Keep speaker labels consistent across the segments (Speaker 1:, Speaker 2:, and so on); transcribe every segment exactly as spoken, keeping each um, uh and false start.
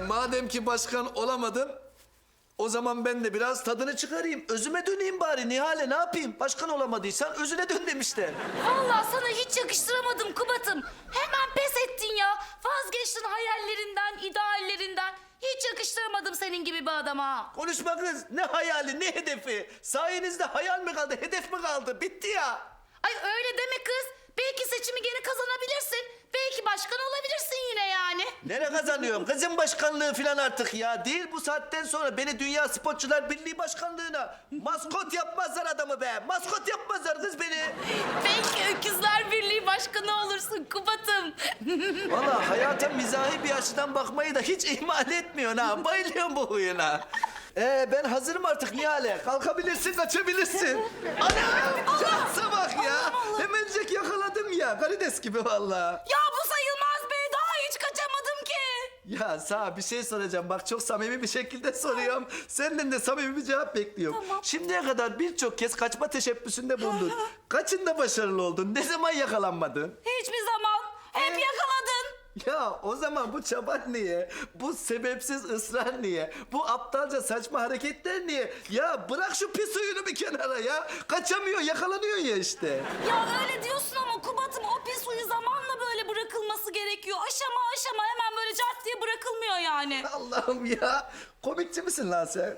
Speaker 1: madem ki başkan olamadın, o zaman ben de biraz tadını çıkarayım. Özüme döneyim bari Nihale, ne yapayım? Başkan olamadıysan özüne dön demişler.
Speaker 2: Vallahi sana hiç yakıştıramadım Kubat'ım. Hemen pes ettin ya. Vazgeçtin hayallerinden, ideallerinden. Hiç yakıştıramadım senin gibi bir adama.
Speaker 1: Konuşma kız, ne hayali, ne hedefi? Sayenizde hayal mi kaldı, hedef mi kaldı? Bitti ya.
Speaker 2: Ay öyle deme kız. Belki seçimi gene kazanabilirsin. Belki başkan olabilirsin yine yani.
Speaker 1: Nereye kazanıyorum? Kızın başkanlığı falan artık ya. Değil bu saatten sonra beni Dünya Sporcular Birliği Başkanlığı'na maskot yapmazlar adamı be. Maskot yapmazlar kız beni.
Speaker 2: Belki Öküzler Birliği başkanı olursun Kubat'ım.
Speaker 1: Vallahi hayata mizahi bir açıdan bakmayı da hiç ihmal etmiyorsun ha. Bayılıyorum bu huyuna. Ee, ben hazırım artık Nihale. Kalkabilirsin, kaçabilirsin. Anam! Cansa bak ya. Hemencek yakaladım ya. Karides gibi vallahi.
Speaker 2: Ya bu sayılmaz be. Daha hiç kaçamadım ki.
Speaker 1: Ya sana bir şey soracağım. Bak çok samimi bir şekilde soruyorum. Senden de samimi bir cevap bekliyorum.
Speaker 2: Tamam.
Speaker 1: Şimdiye kadar birçok kez kaçma teşebbüsünde bulundun. Kaçında başarılı oldun? Ne zaman yakalanmadın?
Speaker 2: Hiçbir zaman. Hep yakaladın.
Speaker 1: Ya o zaman bu çaban niye? Bu sebepsiz ısrar niye? Bu aptalca saçma hareketler niye? Ya bırak şu pis huyunu bir kenara ya. Kaçamıyor, yakalanıyor ya işte.
Speaker 2: Ya öyle diyorsun ama Kubat'ım o pis huyu zamanla böyle bırakılması gerekiyor. Aşama aşama hemen böyle cart diye bırakılmıyor yani.
Speaker 1: Allah'ım ya. Komikçi misin lan sen?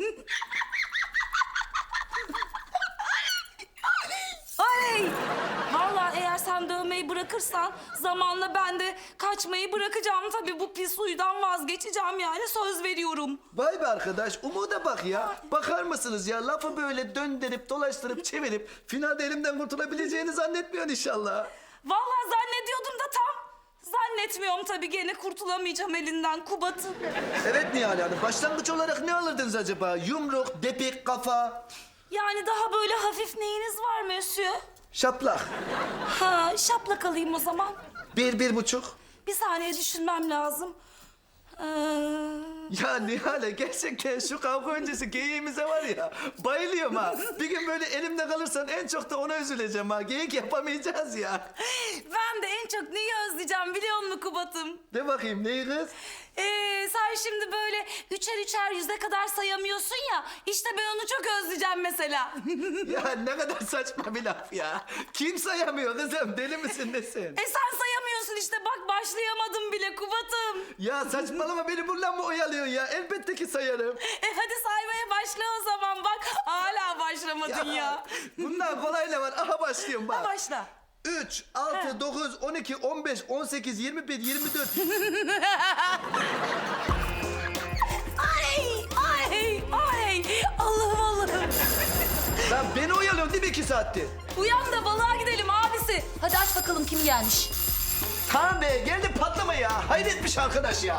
Speaker 2: Ay! Vallahi eğer sen dövmeyi bırakırsan zamanla ben de kaçmayı bırakacağım. Tabii bu pis huydan vazgeçeceğim yani söz veriyorum.
Speaker 1: Vay be arkadaş, umuda bak ya. Bakar mısınız ya, lafı böyle döndürüp, dolaştırıp, çevirip... ...finalde elimden kurtulabileceğini zannetmiyorsun inşallah.
Speaker 2: Vallahi zannediyordum da tam. Zannetmiyorum tabii gene kurtulamayacağım elinden Kubat'ım.
Speaker 1: Evet Nihal Hanım, başlangıç olarak ne alırdınız acaba? Yumruk, depik, kafa...
Speaker 2: Yani daha böyle hafif neyiniz var Mösyö?
Speaker 1: ...şaplak.
Speaker 2: Ha, şaplak alayım o zaman.
Speaker 1: Bir, bir buçuk.
Speaker 2: Bir saniye düşünmem lazım. Ee...
Speaker 1: Ya Nihale, gerçekten şu kavga öncesi geyiğimize var ya... ...bayılıyorum ha. Bir gün böyle elimde kalırsan en çok da ona üzüleceğim ha. Geyik yapamayacağız ya.
Speaker 2: Ben de en çok neyi özleyeceğim biliyor musun Kubat'ım?
Speaker 1: De bakayım, neyi kız?
Speaker 2: Ee, sen şimdi böyle üçer üçer yüze kadar sayamıyorsun ya. İşte ben onu çok özleyeceğim mesela.
Speaker 1: Ya ne kadar saçma bir laf ya. Kim sayamıyor kızım? Deli misin nesin?
Speaker 2: E sen sayamıyorsun işte bak başlayamadım bile Kubat'ım.
Speaker 1: Ya saçmalama, beni buradan mı oyalıyorsun ya? Elbette ki sayarım.
Speaker 2: E hadi saymaya başla o zaman bak. Hala başlamadın ya.
Speaker 1: Bundan kolay ne var? Aha başlıyorum bak.
Speaker 2: Ha, başla.
Speaker 1: Üç, altı, dokuz, on iki, on beş, on sekiz, yirmi bir, yirmi dört.
Speaker 2: Ay ay ay. Allah'ım Allah'ım.
Speaker 1: Lan beni oyalıyorsun değil mi iki saattir?
Speaker 2: Uyan da balığa gidelim abisi. Hadi aç bakalım kim gelmiş.
Speaker 1: Tamam be, geldi patlama ya. Hayretmiş arkadaş ya.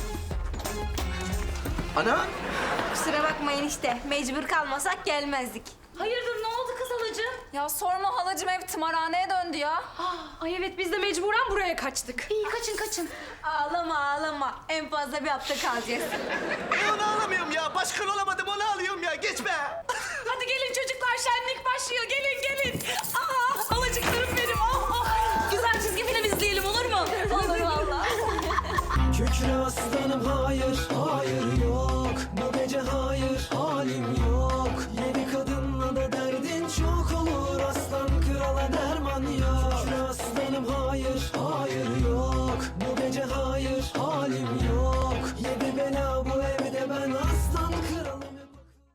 Speaker 1: Ana?
Speaker 3: Kusura bakmayın işte. Mecbur kalmasak gelmezdik.
Speaker 2: Hayırdır ne oldu kız halacığım?
Speaker 3: Ya sorma halacığım, ev tımarhaneye döndü ya. Ay evet, biz de mecburen buraya kaçtık.
Speaker 2: İyi kaçın kaçın.
Speaker 3: Ağlama ağlama. En fazla bir hafta kalacağız.
Speaker 1: E onu alamıyorum ya. Başkan olamadım, onu alıyorum ya. Geçme.
Speaker 2: Hadi gelin çocuklar şenlik başlıyor. Gelin gelin. Aa, alacıklarım benim. Oh, oh. Güzel çizgi film izleyelim olur mu?
Speaker 3: Olur vallahi.
Speaker 4: Kükre aslanım hayır, hayır yok. Bu gece hayır, halim yok. Yedi kadınla da derdin çok olur. Aslan krala derman yok. Kükre aslanım hayır, hayır yok. Bu gece hayır, halim yok.